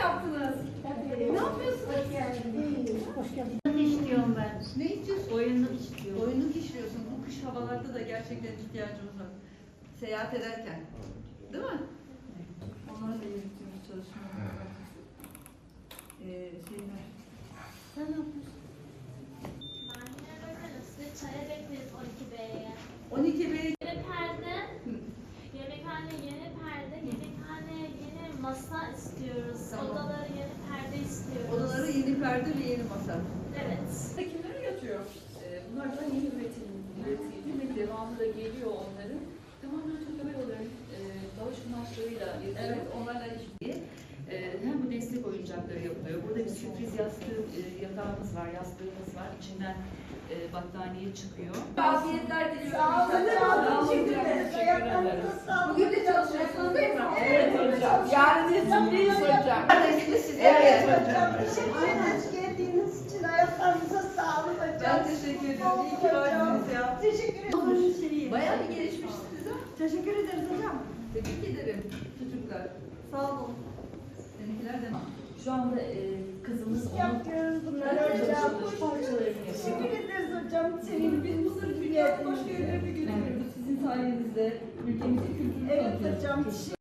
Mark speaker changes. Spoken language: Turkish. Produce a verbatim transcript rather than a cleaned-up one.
Speaker 1: yaptınız? Ne yapıyorsunuz?
Speaker 2: Hoş geldin. Ne istiyorum ben?
Speaker 1: Ne istiyorsun?
Speaker 2: Oyunluk istiyorum.
Speaker 1: Oyunluk işliyorsun. Bu kış havalarda da gerçekten ihtiyacımız var. Seyahat ederken. Değil mi? Onlar da yürütüyoruz çalışmalar. Ee, şeyler. Sen ne yapıyorsun?
Speaker 3: Ben yine bakarım. Size çaya bekleriz on iki B'ye.
Speaker 1: on iki Bey.
Speaker 3: Yeni perde, yemekhane yeni perde, yemekhane yeni masa istiyoruz.
Speaker 1: Tamam.
Speaker 3: Odaları yeni perde istiyoruz.
Speaker 1: Odaları yeni perde ve yeni masa.
Speaker 3: Evet.
Speaker 4: Kimlere yatıyor? Ee, bunlar da yeni üretim, üretildi ve devamı da geliyor onların. Tamamen Türk Hava Yolları'nın e, dağış kumaşlarıyla yapılıyor.
Speaker 1: Evet, onlarla iş.
Speaker 4: Ee, hem bu destek oyuncakları yapılıyor. Burada bir sürpriz yastığı, e, yatağımız var, yastığımız var. İçinden e, battaniye çıkıyor.
Speaker 1: Afiyetler diliyorum.
Speaker 2: Sağ olun,
Speaker 1: Sağ olun.
Speaker 2: teşekkür ederiz. Ayaklarınıza sağlık.
Speaker 1: Bugün de çalışıyorsunuz değil mi?
Speaker 2: Evet hocam.
Speaker 1: Yarın iznindeyiz hocam. Kardeşiniz size.
Speaker 2: Evet hocam. Teşekkür ederiz geldiğiniz için. Ayaklarınıza sağlık hocam.
Speaker 1: Ben teşekkür ederim. İyi ki varsınız ya.
Speaker 2: Teşekkür ederim.
Speaker 1: Bayağı bir gelişmişsiniz ha.
Speaker 2: Teşekkür ederiz hocam.
Speaker 1: Tebrik ederim çocuklar. Sağ olun. Seninkiler de
Speaker 4: Şu anda e, kızımız onun
Speaker 2: Yapıyoruz bunları hocam.
Speaker 4: çalıştığı parçalarını
Speaker 2: Teşekkür
Speaker 4: yapıyor.
Speaker 2: ederiz hocam.
Speaker 1: Şimdi
Speaker 2: Senin
Speaker 1: biz bunları dünyanın başka yerlerine götürüyoruz. Sizin sayenizde ülkemizin kültürünü
Speaker 2: Evet
Speaker 1: tanıtıyoruz.
Speaker 2: hocam.